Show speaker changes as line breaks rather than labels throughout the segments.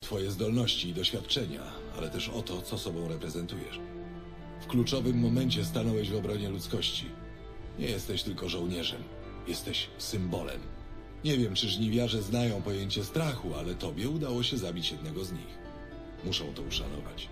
twoje zdolności i doświadczenia, ale też o to, co sobą reprezentujesz. W kluczowym momencie stanąłeś w obronie ludzkości. Nie jesteś tylko żołnierzem, jesteś symbolem. Nie wiem, czy żniwiarze znają pojęcie strachu, ale tobie udało się zabić jednego z nich. Muszą to uszanować.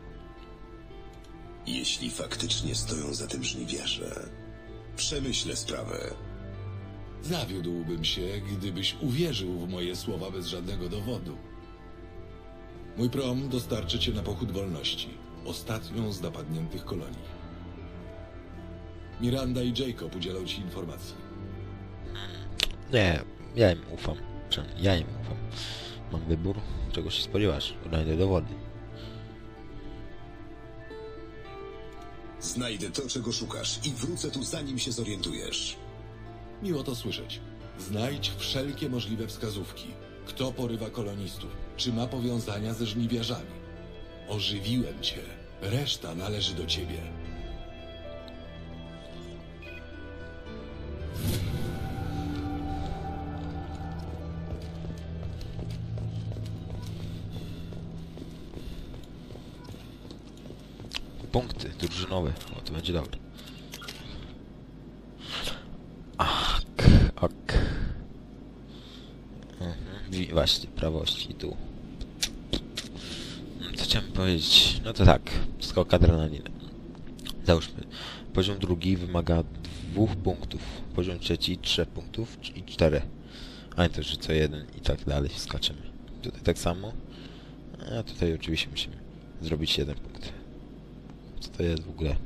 Jeśli faktycznie stoją za tym żniwiarze, przemyślę sprawę.
Zawiódłbym się, gdybyś uwierzył w moje słowa bez żadnego dowodu. Mój prom dostarczy cię na pochód wolności, ostatnią z napadniętych kolonii. Miranda i Jacob udzielą ci informacji.
Nie, ja im ufam. Przynajmniej ja im ufam. Mam wybór, czego się spodziewasz. Znajdę dowody.
Znajdę to, czego szukasz i wrócę tu, zanim się zorientujesz.
Miło to słyszeć. Znajdź wszelkie możliwe wskazówki. Kto porywa kolonistów? Czy ma powiązania ze żniwiarzami? Ożywiłem cię. Reszta należy do ciebie.
Punkty drużynowe. O, to będzie dobre. Ok. Właśnie, prawości tu. Co chciałem powiedzieć? No to tak. Skok adrenaliny. Załóżmy. Poziom drugi wymaga 2 punktów. Poziom trzeci 3 punktów i 4. A nie to, że co jeden i tak dalej skaczemy. Tutaj tak samo. A tutaj oczywiście musimy zrobić 1 punkt. Co to jest w ogóle?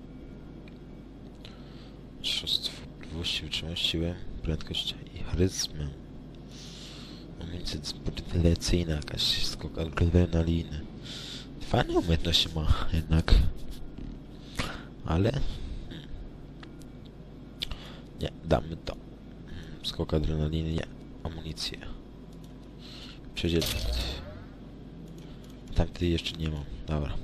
Możliwości, wytrzymałość, siłę, prędkość i charyzmę. Amunicja dyspozycyjna, jakaś skok adrenaliny. Fajne umiejętności ma jednak. Ale... Nie, damy to. Skok adrenaliny, nie. Amunicję. Przejdziemy. Tamtej jeszcze nie mam. Dobra.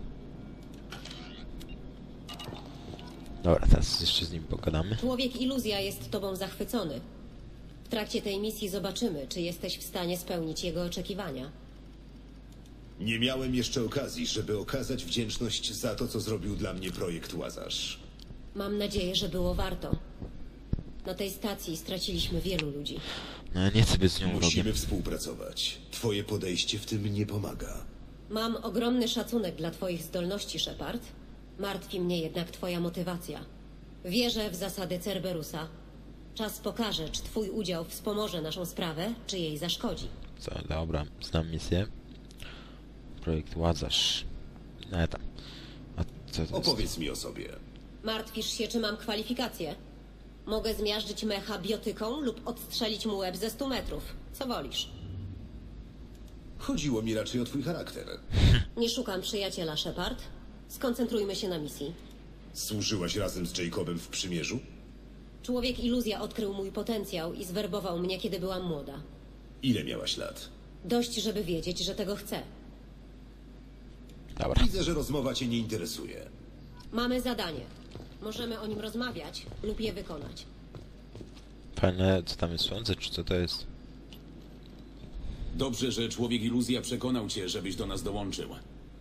Dobra, teraz jeszcze z nim pogadamy.
Człowiek iluzja jest tobą zachwycony. W trakcie tej misji zobaczymy, czy jesteś w stanie spełnić jego oczekiwania.
Nie miałem jeszcze okazji, żeby okazać wdzięczność za to, co zrobił dla mnie projekt Łazarz.
Mam nadzieję, że było warto. Na tej stacji straciliśmy wielu ludzi.
No, ja nie chcę być z nią
Musimy
wrogiem.
współpracować. Twoje podejście w tym nie pomaga.
Mam ogromny szacunek dla twoich zdolności, Shepard. Martwi mnie jednak twoja motywacja. Wierzę w zasady Cerberusa. Czas pokaże, czy twój udział wspomoże naszą sprawę, czy jej zaszkodzi.
Co, dobra, znam misję. Projekt Łazarz. No tam. A co to jest?
Opowiedz mi o sobie.
Martwisz się, czy mam kwalifikacje? Mogę zmiażdżyć mecha biotyką lub odstrzelić mu łeb ze 100 metrów. Co wolisz?
Chodziło mi raczej o twój charakter.
Nie szukam przyjaciela, Shepard. Skoncentrujmy się na misji.
Służyłaś razem z Jacobem w przymierzu?
Człowiek iluzja odkrył mój potencjał i zwerbował mnie, kiedy byłam młoda.
Ile miałaś lat?
Dość, żeby wiedzieć, że tego chcę.
Dobra.
Widzę, że rozmowa cię nie interesuje.
Mamy zadanie. Możemy o nim rozmawiać lub je wykonać.
Fajne, co tam jest, słońce, czy co to jest?
Dobrze, że człowiek iluzja przekonał cię, żebyś do nas dołączył.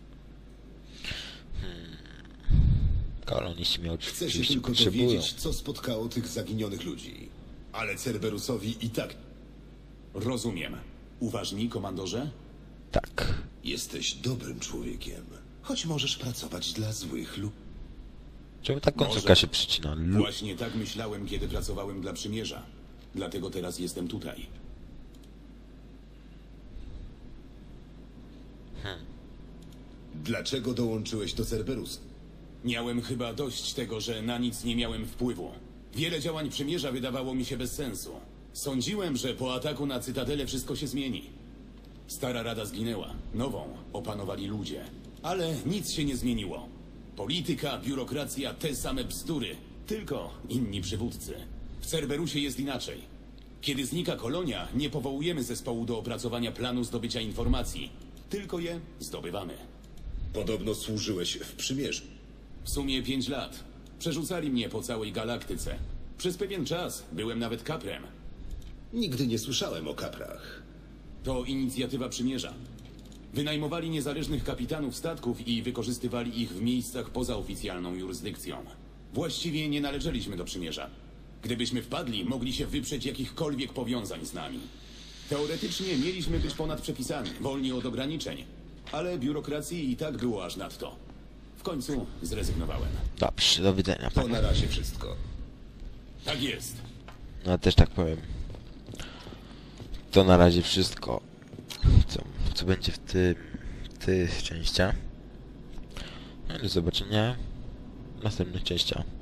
Koloniści mnie
Chcę się
oczywiście
tylko
potrzebują.
dowiedzieć, co spotkało tych zaginionych ludzi. Ale Cerberusowi i tak
Rozumiem. Uważni, komandorze?
Tak.
jesteś dobrym człowiekiem. Choć możesz pracować dla złych lub...
Czemu ta końcówka
Może.
się przycina?
Właśnie tak myślałem, kiedy pracowałem dla Przymierza. Dlatego teraz jestem tutaj.
Dlaczego dołączyłeś do Cerberusa?
Miałem chyba dość tego, że na nic nie miałem wpływu. Wiele działań Przymierza wydawało mi się bez sensu. Sądziłem, że po ataku na Cytadelę wszystko się zmieni. Stara Rada zginęła. Nową opanowali ludzie. Ale nic się nie zmieniło. Polityka, biurokracja, te same bzdury. Tylko inni przywódcy. W Cerberusie jest inaczej. Kiedy znika kolonia, nie powołujemy zespołu do opracowania planu zdobycia informacji. Tylko je zdobywamy.
Podobno służyłeś w przymierzu.
W sumie 5 lat. Przerzucali mnie po całej galaktyce. Przez pewien czas byłem nawet kaprem.
Nigdy nie słyszałem o kaprach.
To inicjatywa Przymierza. Wynajmowali niezależnych kapitanów statków i wykorzystywali ich w miejscach poza oficjalną jurysdykcją. Właściwie nie należeliśmy do przymierza. Gdybyśmy wpadli, mogli się wyprzeć jakichkolwiek powiązań z nami. Teoretycznie mieliśmy być ponad przepisami, wolni od ograniczeń, ale biurokracji i tak było aż nadto. W końcu zrezygnowałem.
Dobrze, do widzenia.
To na razie wszystko.
Tak jest.
No też tak powiem. To na razie wszystko. Co będzie w tych częściach. No i do zobaczenia w następnych częściach.